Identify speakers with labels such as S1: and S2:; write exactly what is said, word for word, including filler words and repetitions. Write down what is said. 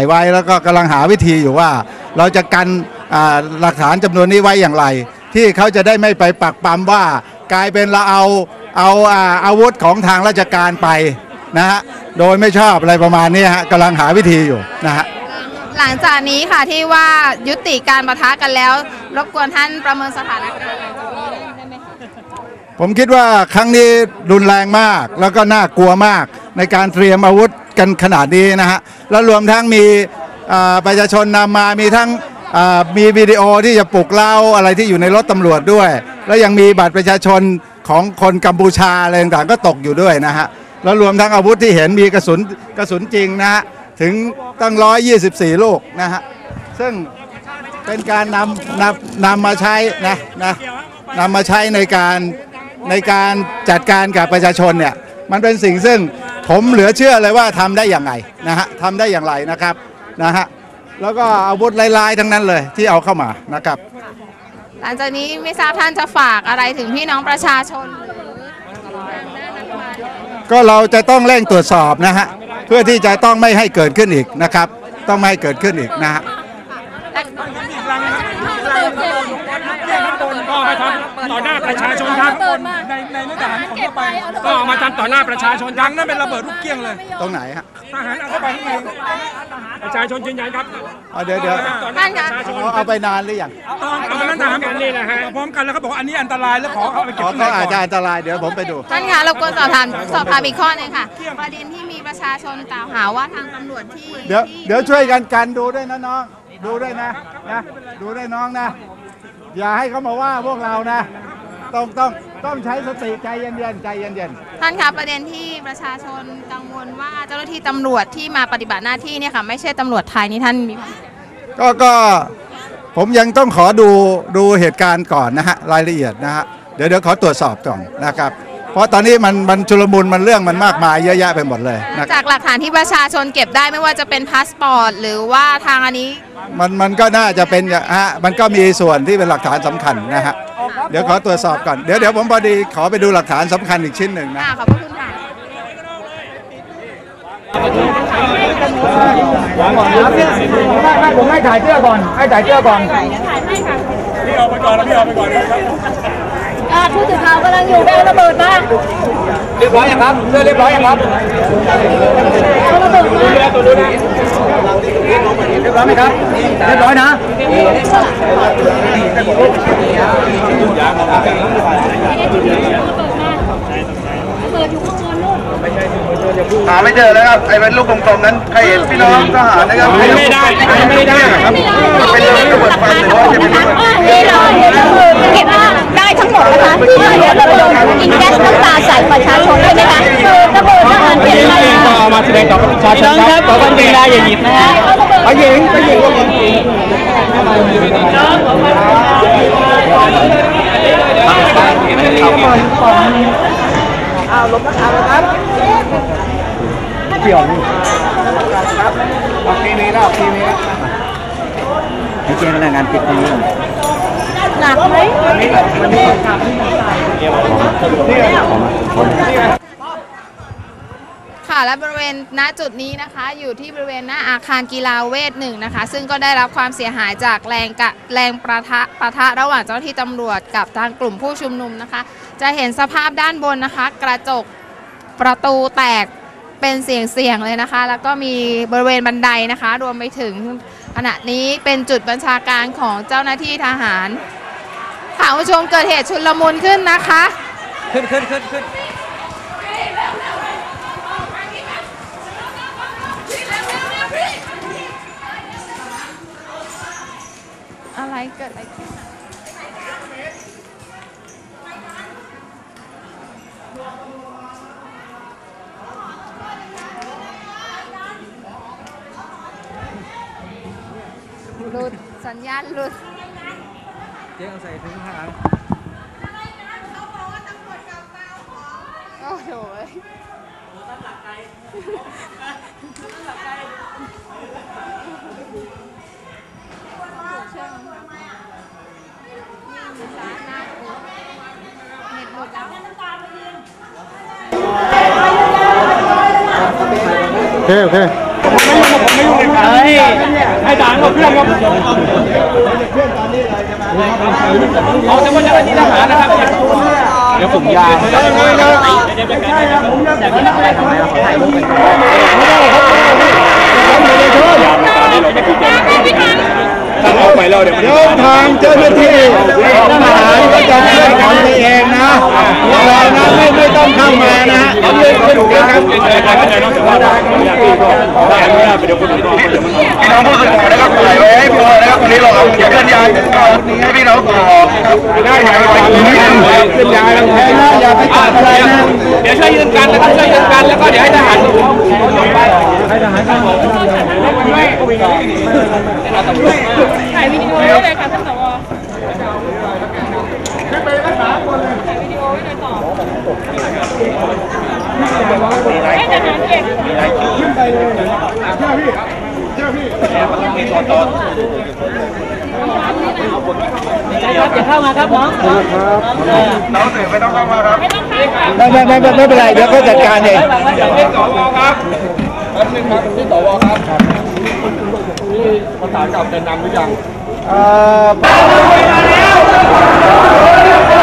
S1: ายไว้แล้วก็กำลังหาวิธีอยู่ว่าเราจะกันหลักฐานจำนวนนี้ไว้อย่างไรที่เขาจะได้ไม่ไปปักปั๊มว่ากลายเป็นเราเอาเอาอาวุธของทางราชการไปนะฮะโดยไม่ชอบอะไรประมาณนี้ฮะกำลังหาวิธีอยู่นะฮะ
S2: หลังจากนี้ค่ะที่ว่ายุติการปะทะกันแล้วรบกวนท่านประเมินสถานการณ์ได้ไหมคะ
S1: ผมคิดว่าครั้งนี้รุนแรงมากแล้วก็น่ากลัวมากในการเตรียมอาวุธกันขนาดนี้นะฮะแล้วรวมทั้งมีประชาชนนำมามีทั้งมีวิดีโอที่จะปลุกเร้าอะไรที่อยู่ในรถตำรวจด้วยแล้วยังมีบัตรประชาชนของคนกัมพูชาอะไรต่างๆก็ตกอยู่ด้วยนะฮะแล้วรวมทั้งอาวุธที่เห็นมีกระสุนกระสุนจริงนะฮะถึงตั้งร้อยยี่สิบสี่ลูกนะฮะซึ่งเป็นการนำนำนำมาใช้นะนะนำมาใช้ในการในการจัดการกับประชาชนเนี่ยมันเป็นสิ่งซึ่งผมเหลือเชื่อเลยว่าทำได้อย่างไรนะฮะทำได้อย่างไรนะครับนะฮะแล้วก็อาวุธลายๆทั้งนั้นเลยที่เอาเข้ามานะครับ
S2: หลังจากนี้ไม่ทราบท่านจะฝากอะไรถึงพี่น้องประชาชน
S1: ก็เราจะต้องเร่งตรวจสอบนะฮะเพื่อที่จะต้องไม่ให้เกิดขึ้นอีกนะครับต้องไม่ให้เกิดขึ้นอีกนะฮะ
S3: ก็มาทำต่อหน้าประชาชนครับในในเนื้อหาของเข้าไปก็มาทำต่อหน้าประชาชนยังนั่นเป็นระเบิดลูกเกี้ยงเลย
S1: ตรงไหนฮะ
S3: ทหารเอาเข้าไปข้างในประชาชนยืนยันครับ
S1: เดี๋ยวเดี๋ยวเอาไปนานหรือยัง
S3: เอาไปนั่นถามกันนี่นะฮะพร้อมกันแล้วเขาบอกอันนี้อันตรายแล้วขอเอาไปเก็บ
S1: เขาอาจจะอันตรายเดี๋ยวผมไปดู
S2: ท่านคะรบกวนสอบถามสอบถามอีกข้อนึงค่ะประเด็นที่มีประชาชนกล่าวหาว่าทางตำรวจที่
S1: เดี๋ยวเดี๋ยวช่วยกันกันดูด้วยนะน้องดูด้วยนะนะดูด้วยน้องนะอย่าให้เขามาว่าพวกเรานะต้องต้องต้องใช้สติใจเย็นๆใจเย็น
S2: ๆท่านคะประเด็นที่ประชาชนกังวลว่าเจ้าหน้าที่ตำรวจที่มาปฏิบัติหน้าที่เนี่ยค่ะไม่ใช่ตำรวจไทยนี่ท่านมี
S1: ก็ก็ผมยังต้องขอดูดูเหตุการณ์ก่อนนะฮะรายละเอียดนะฮะเดี๋ยวเดี๋ยวขอตรวจสอบก่อนนะครับเพราะตอนนี้มันมันชุลมุนมันเรื่องมันมากมายเยอะแยะไปหมดเลย
S2: จากหลักฐานที่ประชาชนเก็บได้ไม่ว่าจะเป็นพาสปอร์ตหรือว่าทางอันนี้
S1: มันมันก็น่าจะเป็นฮะมันก็มีส่วนที่เป็นหลักฐานสำคัญนะฮะเดี๋ยวขอตรวจสอบก่อนเดี๋ยวเดี๋ยวผมพอดีขอไปดูหลักฐานสำคัญอีกชิ้นหนึ่งนะ
S2: ขอบคุณค่ะ
S4: ผมให้ถ่ายเสื้อก่อนให้ถ่ายเสื้อก่อน
S3: พี่เอาไปก่อนแล้วพี่เอาไปก่อน
S2: ผู้สื่อข่าวกำลังอยู่เป็นระเบิดมา
S4: เรียบร้อยยังครับเสื้อเรียบร้อยยังครับ
S2: ระเบิดมา
S4: เรียบร้อยไหมครับเรียบร้อยนะหาไม่เจอแล้วครับไอ้เป็นลูกกลมๆนั้นใครเห็นพี่น้องทหารนะครับ
S3: ไม่ได้ไม่ได้ครับ
S4: เป็นระเบิดไฟหรือว่าจะเป็นระเบิด
S5: นี่เลยเก็บได้ทั้งหมดนะคะที่เดี๋ยวระเบิดยิงแก๊สน้ำตาใส่ประชาชนใช่ไหมคะคือระเบิดทหารเก็บได้
S4: ต่อมาแสดงต่อประชาชนครับขอความเป็นได้อย่าหยิบนะฮะไปหญิงไปหญิงอ้าวลบราคาแล้วครับเกี่ยวนี่ครับออกทีนี้แล้วออกทีนี้แล้วให้เจ้าพนักงานปิดทีนี้
S2: หนักไหมค่ะและบริเวณณจุดนี้นะคะอยู่ที่บริเวณหน้าอาคารกีฬาเวทหนึ่งนะคะซึ่งก็ได้รับความเสียหายจากแรงกะแรงประทะปะทะระหว่างเจ้าหน้าที่ตำรวจกับทางกลุ่มผู้ชุมนุมนะคะจะเห็นสภาพด้านบนนะคะกระจกประตูแตกเป็นเสียงๆเลยนะคะแล้วก็มีบริเวณบันไดนะคะรวมไปถึงขณะนี้เป็นจุดบัญชาการของเจ้าหน้าที่ทหารค่ะผู้ชมเกิดเหตุชุลมุนขึ้นนะคะ
S4: ขึ้นขึ้นขึ้นขึ้น
S2: อะไรเกิดอะไรขึ้นหลุดสัญญาณหลุด
S4: เจ๊เอาใส่ถุงผ้า
S2: โอ้โห
S1: โอเคโอเค
S4: ไม่ยุ่งไม่ยุ่งเลย
S3: ให้ด่านหมดเพื่อนครับเขาจะว่าจะเป็นที่ทหารนะครับเดี๋ยวผมยาวไม่ใช่ครับผมอยากได้ทำไมเราขอถ่ายรูปกันก่อนถ้าออกไปแล้วเดี๋ยว
S1: เดี๋ยวทางเจ้าหน้าที่ทหารก็จะช่วยทำเองนะเรานะไม่ไม่ต้องเข้ามานะฮะ
S3: เราเล่นกันดูนะครับเป็นอะไรกันได้นอกจากว่าได้อยากที่ก็ได้อนุญาตไปเดี๋ยวคนอื่นก็เดี๋ยวมันพี่น้องผู้สื่อข่าวนะครับถ่ายไว้ให้พอนะครับวันนี้เราเอาเขียนเคลื่อนย้ายให้พี่น้องต่อได้ไหมเคลื่อนย้ายแล้วแค่นะอย่าไปจับอะไรนะเดี๋ยวช่วยยืนกันนะครับช่วยยืนกันแล้วก็เดี๋ยวให้ทหารให้ทหารกัน
S5: ถ่ายวิดีโอไว้เลยค่ะท่านสวให้ทหารเก่งขึ้นไปเลยเชื่อพี่เชื่อพี่มีตัวตนจะเข้ามาครับน้องน้องสื่อไม่ต้องเข้ามาครับไม่
S1: ไม่ไม่ไม่ไม่เป็นไรเดี๋ยวก็จัดการเอง
S3: ที่สวครับแป๊บนึงครับที่สวครับนี่ภาษาเก่าจะนำหรือยัง
S1: เอ่อ